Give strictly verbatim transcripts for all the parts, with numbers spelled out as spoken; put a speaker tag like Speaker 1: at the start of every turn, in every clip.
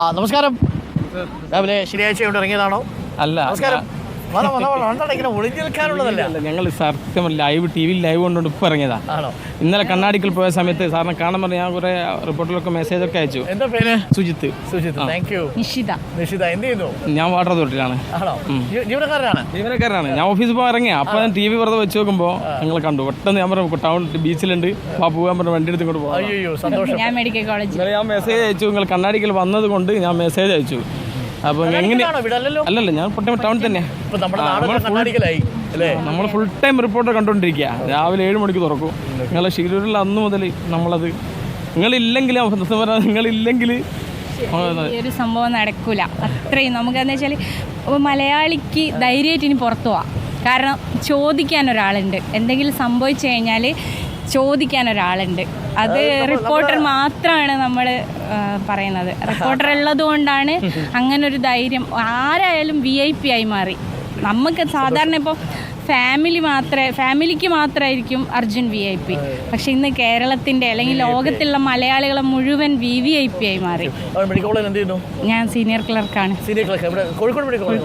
Speaker 1: ആ നമസ്കാരം. രാവിലെ ശനിയാഴ്ച ഇറങ്ങിയതാണോ?
Speaker 2: അല്ല,
Speaker 1: നമസ്കാരം. ഇങ്ങനെ ഒളിഞ്ഞു നിൽക്കാനുള്ളതല്ല,
Speaker 2: ഞങ്ങൾ സത്യം ലൈവ് ടി വിയിൽ ലൈവ് കൊണ്ടുകൊണ്ട് ഇപ്പം ഇറങ്ങിയതാ.
Speaker 1: ആണോ?
Speaker 2: ഇന്നലെ കണ്ണാടിക്കൽ പോയ സമയത്ത് സാറിനെ കാണാൻ പറഞ്ഞ് ഞാൻ കുറെ റിപ്പോർട്ടിലൊക്കെ മെസ്സേജ് ഒക്കെ അയച്ചു.
Speaker 1: എന്താ പേര്?
Speaker 2: സുജിത്ത്.
Speaker 1: Sujith, thank you. നിഷിത. നിഷിത എന്ത് ചെയ്യുന്നു?
Speaker 2: ഞാൻ വാട്ടർ അതോറിറ്റിയിലാണ്.
Speaker 1: ആണോ? ജീവനക്കാരനാണ്.
Speaker 2: ജീവനക്കാരനാണ്. ഞാൻ ഓഫീസിൽ പോകാൻ ഇറങ്ങിയ അപ്പോൾ ഞാൻ ടി വി വെറുതെ വെച്ച് നോക്കുമ്പോൾ നിങ്ങൾ കണ്ടു. പെട്ടെന്ന് ഞാൻ പറഞ്ഞു ടൗൺ ബീച്ചിലുണ്ട്, ആ പോകാൻ പറഞ്ഞു വണ്ടി എടുത്ത് ഇങ്ങോട്ട് പോകാം.
Speaker 1: അയ്യോ സന്തോഷം.
Speaker 3: ഞാൻ മെഡിക്കൽ കോളേജ്
Speaker 2: ഇന്നലെ ഞാൻ മെസ്സേജ് അയച്ചു, നിങ്ങൾ കണ്ണാടിക്കൽ വന്നത് കൊണ്ട് ഞാൻ മെസ്സേജ് അയച്ചു. അപ്പോൾ എങ്ങനെ? അല്ലല്ല, ഞാൻ പൊട്ടം ടൗണിൽ തന്നെ. നമ്മൾ ഫുൾ ടൈം റിപ്പോർട്ടർ കണ്ടുകൊണ്ടിരിക്കുക. രാവിലെ ഏഴ് മണിക്ക് തുറക്കും. നിങ്ങളെ ഷിരൂരിൽ അന്ന് മുതൽ നമ്മളത് നിങ്ങളില്ലെങ്കിൽ നിങ്ങളില്ലെങ്കിൽ
Speaker 3: ഒരു സംഭവം നടക്കൂല. അത്രയും നമുക്കെന്ന് വെച്ചാൽ മലയാളിക്ക് ധൈര്യമായിട്ട് ഇനി പുറത്തു പോവാം. കാരണം ചോദിക്കാൻ ഒരാളുണ്ട്, എന്തെങ്കിലും സംഭവിച്ചു കഴിഞ്ഞാൽ ചോദിക്കാൻ ഒരാളുണ്ട്. അത് റിപ്പോർട്ടർ മാത്രമാണ് നമ്മൾ പറയുന്നത്. റിപ്പോർട്ടർ ഉള്ളത് കൊണ്ടാണ് അങ്ങനൊരു ധൈര്യം. ആരായാലും വി ഐ പി ആയി മാറി. നമുക്ക് സാധാരണ ഇപ്പോൾ ഫാമിലി മാത്രമേ ഫാമിലിക്ക് മാത്രമായിരിക്കും അർജുൻ വി ഐ പി. പക്ഷെ ഇന്ന് കേരളത്തിൻ്റെ അല്ലെങ്കിൽ ലോകത്തുള്ള മലയാളികളെ മുഴുവൻ വി വി ഐ പി ആയി മാറി. ഞാൻ സീനിയർ ക്ലർക്കാണ്.
Speaker 1: കോഴിക്കോട്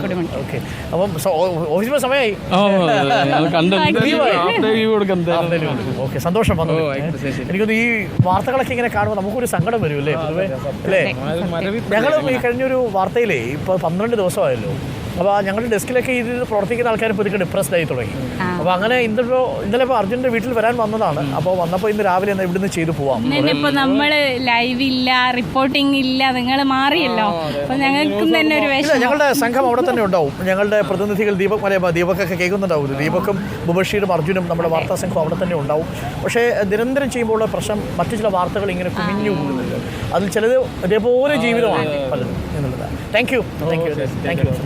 Speaker 1: സന്തോഷം. എനിക്കൊന്ന് ഈ വാർത്തകളൊക്കെ ഇങ്ങനെ കാണുമ്പോൾ നമുക്കൊരു സങ്കടം വരും അല്ലേ അല്ലേ? ഞങ്ങളും ഈ കഴിഞ്ഞൊരു വാർത്തയിലേ ഇപ്പോൾ പന്ത്രണ്ട് ദിവസമായല്ലോ. അപ്പോൾ ഞങ്ങളുടെ ഡെസ്കിലൊക്കെ ഇതിൽ പ്രവർത്തിക്കുന്ന ആൾക്കാർ ഇപ്പോൾ ഇതൊക്കെ ഡിപ്രസ്ഡ് ആയി തുടങ്ങി. അപ്പോൾ അങ്ങനെ ഇന്നിപ്പോൾ ഇന്നലെ ഇപ്പോൾ അർജുൻ്റെ വീട്ടിൽ വരാൻ വന്നതാണ്. അപ്പോൾ വന്നപ്പോൾ ഇന്ന് രാവിലെ എന്നാൽ ഇവിടുന്ന് ചെയ്തു പോവാം.
Speaker 3: ഇപ്പോൾ നമ്മൾ ലൈവ് ഇല്ല, റിപ്പോർട്ടിംഗ് ഇല്ല, നിങ്ങൾ മാറിയല്ലോ. അപ്പോൾ ഞങ്ങൾക്കും തന്നെ ഒരു വിഷമം.
Speaker 1: ഞങ്ങളുടെ സംഘം അവിടെ തന്നെ ഉണ്ടാവും. ഞങ്ങളുടെ പ്രതിനിധികൾ ദീപക് മലയ ദീപക്കൊക്കെ കേൾക്കുന്നുണ്ടാവും. ദീപക്കും മുബഷീറും അർജുനും നമ്മുടെ വാർത്താ സംഘം അവിടെ തന്നെ ഉണ്ടാവും. പക്ഷേ നിരന്തരം ചെയ്യുമ്പോൾ പ്രശ്നം മറ്റു ചില വാർത്തകൾ ഇങ്ങനെ കുമിഞ്ഞു പോകുന്നുണ്ട്. അതിൽ ചിലത് ഇതേപോലെ ജീവിതമാണ് പലതും എന്നുള്ളതാണ്. Thank you thank you thank you.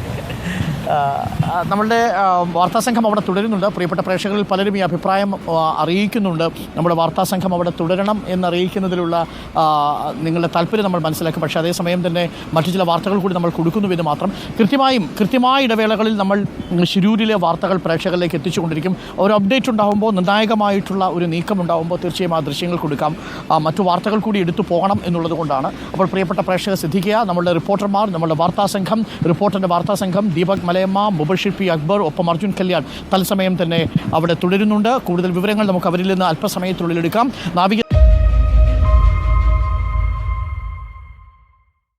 Speaker 1: നമ്മളുടെ വാർത്താസംഘം അവിടെ തുടരുന്നുണ്ട്. പ്രിയപ്പെട്ട പ്രേക്ഷകരിൽ പലരും ഈ അഭിപ്രായം അറിയിക്കുന്നുണ്ട്. നമ്മുടെ വാർത്താസംഘം അവിടെ തുടരണം എന്നറിയിക്കുന്നതിലുള്ള നിങ്ങളുടെ താല്പര്യം നമ്മൾ മനസ്സിലാക്കും. പക്ഷേ അതേസമയം തന്നെ മറ്റു ചില വാർത്തകൾ കൂടി നമ്മൾ കൊടുക്കുന്നുവെന്ന് മാത്രം. കൃത്യമായും കൃത്യമായ ഇടവേളകളിൽ നമ്മൾ ശിരൂരിലെ വാർത്തകൾ പ്രേക്ഷകരിലേക്ക് എത്തിച്ചുകൊണ്ടിരിക്കും. ഒരു അപ്ഡേറ്റ് ഉണ്ടാകുമ്പോൾ, നിർണായകമായിട്ടുള്ള ഒരു നീക്കം ഉണ്ടാകുമ്പോൾ തീർച്ചയായും ആ ദൃശ്യങ്ങൾ കൊടുക്കാം. മറ്റു വാർത്തകൾ കൂടി എടുത്തു പോകണം എന്നുള്ളത് കൊണ്ടാണ്. അപ്പോൾ പ്രിയപ്പെട്ട പ്രേക്ഷകർ ശ്രദ്ധിക്കുക. നമ്മളുടെ റിപ്പോർട്ടർമാർ, നമ്മളുടെ വാർത്താസംഘം, റിപ്പോർട്ടറിൻ്റെ വാർത്താസംഘം ദീപക് മലയമ്മ, മുബഷിർ പി അക്ബർ, ഒപ്പം അർജുൻ കല്യാൺ തത്സമയം തന്നെ അവിടെ തുടരുന്നുണ്ട്. കൂടുതൽ വിവരങ്ങൾ നമുക്ക് അവരിൽ നിന്ന് അല്പസമയത്തിനുള്ളിൽ എടുക്കാം. നാവിക